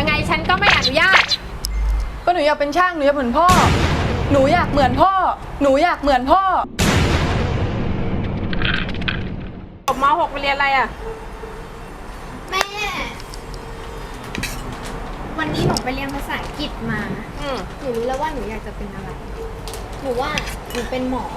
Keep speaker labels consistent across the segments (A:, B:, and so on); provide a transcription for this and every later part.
A: ยังไงฉันก็ไม่อนุญาต
B: ก็หนูอยากเป็นช่างหนูอยากเหมือนพ่อหนูอยากเหมือนพ่อหนูอยากเหมือนพ่อ
A: จบม .6 ไปเรียนอะไรอ่ะ
C: แม่ วันนี้หนูไปเรียนภาษาอังกฤษมาหนูรู้แล้วว่าหนูอยากจะเป็นอะไรหนูว่าหนูเป็นหมอ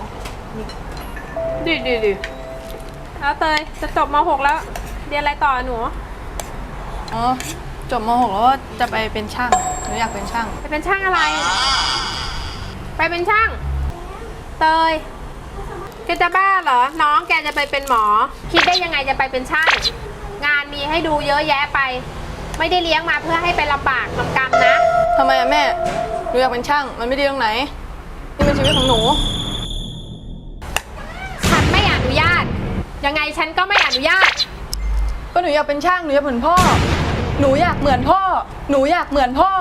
A: ดีแล้วเตยจะจบม .6 แล้วเรียนอะไรต่อหนู
B: อ๋อจบม .6 แล้วจะไปเป็นช่างหนูอยากเป็นช่าง
A: ไปเป็นช่างอะไรไปเป็นช่างเตยแกจะบ้าเหรอน้องแกจะไปเป็นหมอคิดได้ยังไงจะไปเป็นช่างงานมีให้ดูเยอะแยะไปไม่ได้เลี้ยงมาเพื่อให้ไปลำบากลำกำนะ
B: ทำไมอะแม่หนูอยากเป็นช่างมันไม่ดีตรงไหนนี่เป็นชีวิตของหนู
A: ฉันไม่อนุญาตยังไงฉันก็ไม่อนุญาต
B: ก็หนูอยากเป็นช่างหนูอยากเหมือนพ่อหนูอยากเหมือนพ่อหนูอยากเหมือนพ่อ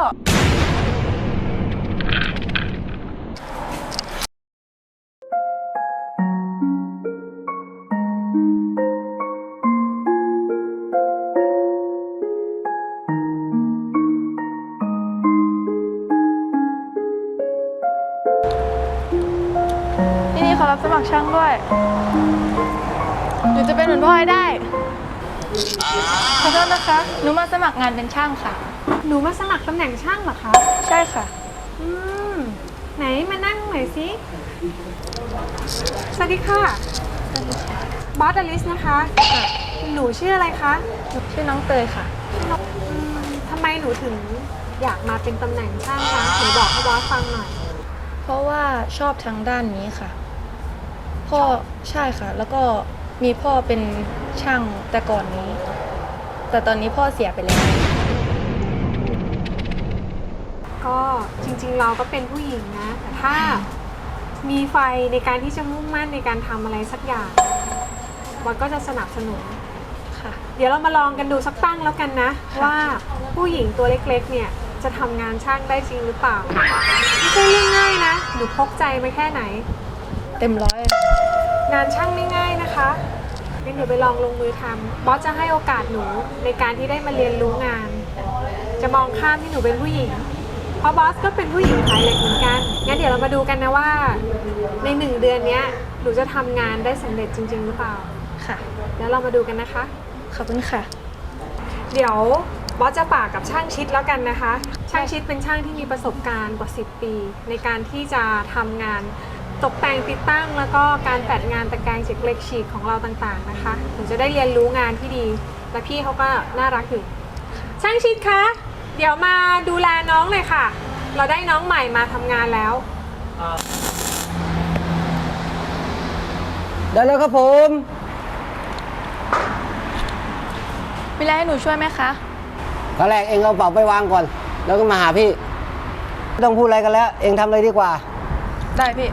B: ที่นี่เขารับสมัครช่างด้วยหนูจะเป็นเหมือนพ่อให้ได้ขอโทษนะคะหนูมาสมัครงานเป็นช่างค่ะ
A: หนูมาสมัครตำแหน่งช่างเหรอคะ
B: ใช่ค่ะ
A: ไหนมานั่งหน่อยสิสวัสดีค่ะบอสอลิสนะคะหนูชื่ออะไรคะ
B: ชื่อน้องเตยค่ะ
A: ทำไมหนูถึงอยากมาเป็นตำแหน่งช่างคะหนูบอกให้บอสฟังหน่อย
B: เพราะว่าชอบทางด้านนี้ค่ะพ่อใช่ค่ะแล้วก็มีพ่อเป็นช่างแต่ก่อนนี้แต่ตอนนี้พ่อเสียไปแล้ว
A: ก็จริงๆเราก็เป็นผู้หญิงนะแต่ถ้ามีไฟในการที่จะมุ่งมั่นในการทำอะไรสักอย่างมันก็จะสนับสนุน
B: ค่ะ
A: เดี๋ยวเรามาลองกันดูสักตั้งแล้วกันนะว่าผู้หญิงตัวเล็กๆเนี่ยจะทำงานช่างได้จริงหรือเปล่าไม่ใช่เรื่องง่ายนะหนูพกใจไปแค่ไหน
B: เต็มร้อย
A: งานช่างไม่ง่ายนะคะงั้นเดี๋ยวไปลองลงมือทำบอสจะให้โอกาสหนูในการที่ได้มาเรียนรู้งานจะมองข้ามที่หนูเป็นผู้หญิงเพราะบอสก็เป็นผู้หญิงขายเหล็กเหมือนกันงั้นเดี๋ยวเรามาดูกันนะว่าใน1 เดือนนี้หนูจะทำงานได้สำเร็จจริงๆหรือเปล่า
B: ค่ะ
A: แล้วเรามาดูกันนะคะ
B: ขอบคุณค่ะ
A: เดี๋ยวบอสจะฝากกับช่างชิดแล้วกันนะคะช่างชิดเป็นช่างที่มีประสบการณ์กว่า10 ปีในการที่จะทำงานตกแต่งติดตั้งแล้วก็การแปดงานตะแกรงเจ็กเหล็กฉีกของเราต่างๆนะคะหนูจะได้เรียนรู้งานที่ดีและพี่เขาก็น่ารักอยู่ช่างชิดคะเดี๋ยวมาดูแลน้องเลยค่ะเราได้น้องใหม่มาทำงานแล้ว
D: ได้แล้วครับผม
B: มีอะไรให้หนูช่วยไหมคะ
D: ตอนแรกเองเอาเป๋าไปวางก่อนแล้วก็มาหาพี่ไม่ต้องพูดอะไรกันแล้วเองทำเลยดีกว่า
B: ได้พี่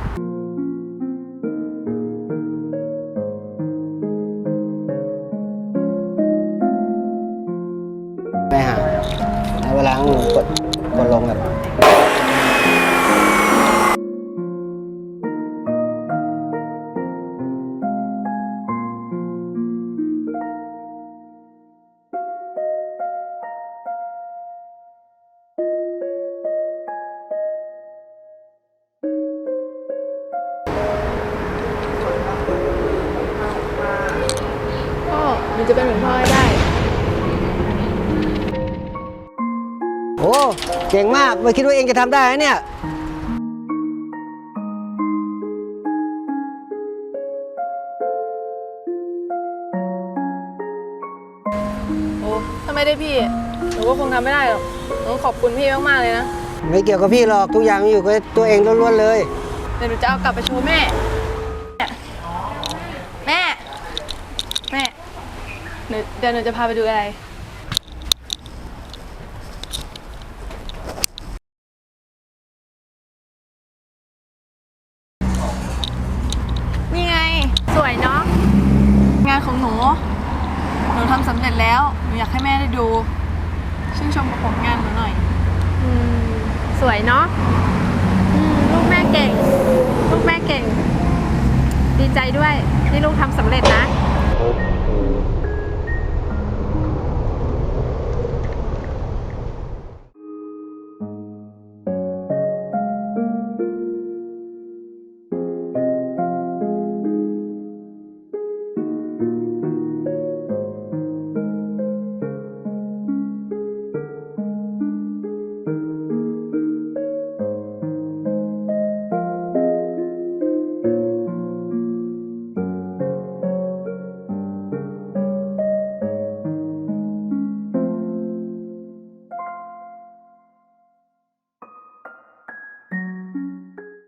D: ไปหาในเวลาหนูกดลงแบบ
B: พ่อหนูจะเป็นเหมือนพ่อให้ได้
D: โอ้เก่งมากไม่คิดว่าเองจะทำได้เนี่ย
B: โอ้ถ้าไม่ได้พี่หนูก็คงทำไม่ได้หรอกหนูขอบคุณพี่มากๆเลยนะ
D: ไม่เกี่ยวกับพี่หรอกทุกอย่างอยู่กับตัวเองล้วนๆเลย
B: เดี๋ยวหนูจะเอากลับไปโชว์แม่แม่เดี๋ยวหนูจะพาไปดูอะไรนี่ไง
A: สวยเนาะ
B: งานของหนูทำสำเร็จแล้วหนูอยากให้แม่ได้ดูชื่นชมผลงานหนูหน่อย
A: สวยเนาะลูกแม่เก่งดีใจด้วยที่ลูกทำสำเร็จนะ